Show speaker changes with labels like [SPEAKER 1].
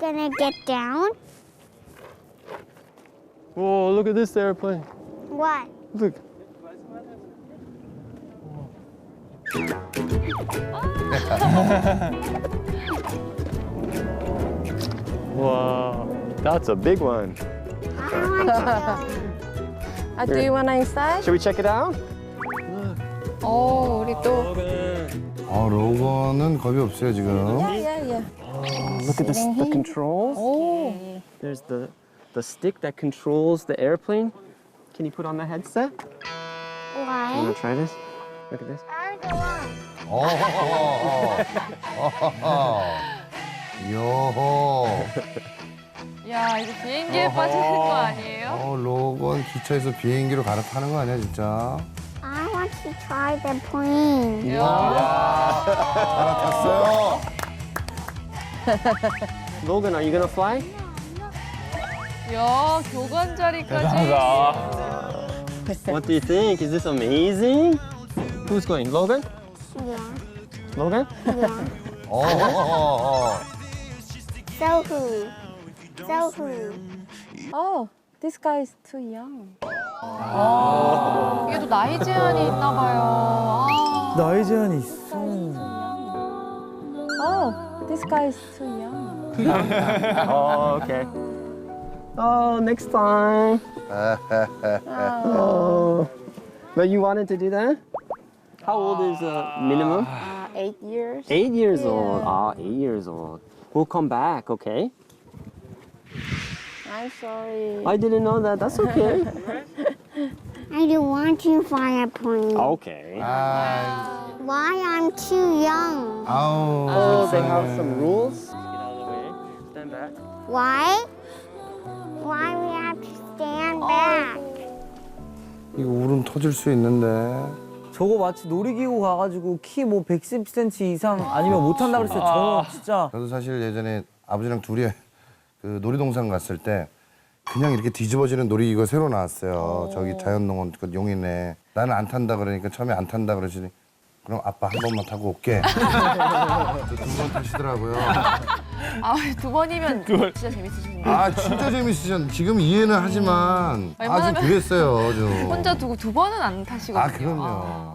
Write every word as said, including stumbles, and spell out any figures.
[SPEAKER 1] gonna get down?
[SPEAKER 2] Whoa, look at this airplane.
[SPEAKER 1] What?
[SPEAKER 2] Look. Wow, that's a big one.
[SPEAKER 1] I want to
[SPEAKER 3] 아, do you wanna inside?
[SPEAKER 2] Should we check it out?
[SPEAKER 3] 오, 우리 또.
[SPEAKER 4] 아, 로건은 겁이 없어요, 지금.
[SPEAKER 3] Yeah, yeah.
[SPEAKER 2] Look at this, the controls.
[SPEAKER 3] 오.
[SPEAKER 2] There's the the stick that controls the airplane. Can you put on the headset? You
[SPEAKER 1] Why?
[SPEAKER 2] wanna try this? Look at this.
[SPEAKER 1] I don't want.
[SPEAKER 4] 어허허허. 요호.
[SPEAKER 3] 야, 이거 비행기에 빠지는 거 아니에요?
[SPEAKER 4] 어, 로건 기차에서 비행기로 갈아타는 거 아니야, 진짜?
[SPEAKER 1] I want to try the plane.
[SPEAKER 4] 갈아탔어요.
[SPEAKER 2] Logan, are you gonna fly?
[SPEAKER 3] 야, 교관 자리까지.
[SPEAKER 2] What do you think? Is this amazing? Who's going? Logan?
[SPEAKER 1] Yeah.
[SPEAKER 2] Logan?
[SPEAKER 1] Yeah.
[SPEAKER 4] 어허허허.
[SPEAKER 1] So who? So who?
[SPEAKER 3] Oh, this guy is too young. 아, 이게 또 나이 제한이 있나 봐요. 아.
[SPEAKER 5] 나이 제한이 있어.
[SPEAKER 3] Oh, this guy is too young.
[SPEAKER 2] Oh, okay. Oh, next time. Oh. But you wanted to do that? How old is uh, minimum?
[SPEAKER 3] Uh, eight years.
[SPEAKER 2] Eight years old. Ah, eight years old. We'll come back, okay?
[SPEAKER 3] I'm sorry.
[SPEAKER 2] I didn't know that. That's okay.
[SPEAKER 1] I don't want to fly a plane.
[SPEAKER 2] Okay.
[SPEAKER 4] 아,
[SPEAKER 1] Why? I'm too young.
[SPEAKER 4] 아우.
[SPEAKER 2] Oh, they have some rules. Get out of the way. Stand back.
[SPEAKER 1] Why? Why we have to stand back?
[SPEAKER 4] 이거 울음 터질 수 있는데.
[SPEAKER 5] 저거 마치 놀이기구 가가지고 키 뭐 백십 센티미터 이상 아니면 못한다 그랬어요. 저는 진짜.
[SPEAKER 4] 저도 사실 예전에 아버지랑 둘이 그 놀이동산 갔을 때 그냥 이렇게 뒤집어지는 놀이기구가 새로 나왔어요. 저기 자연농원 그 용인에. 나는 안 탄다 그러니까 처음에 안 탄다 그러시니 그럼 아빠 한 번만 타고 올게. 두 번 타시더라고요.
[SPEAKER 3] 아, 두 번이면 진짜 재밌으시군요.
[SPEAKER 4] 아 진짜 재밌으셨. 지금 이해는 하지만 아주
[SPEAKER 3] 웬만하면-
[SPEAKER 4] 그랬어요. 좀.
[SPEAKER 3] 혼자 두고 두 번은 안 타시거든요.
[SPEAKER 4] 아 그럼요.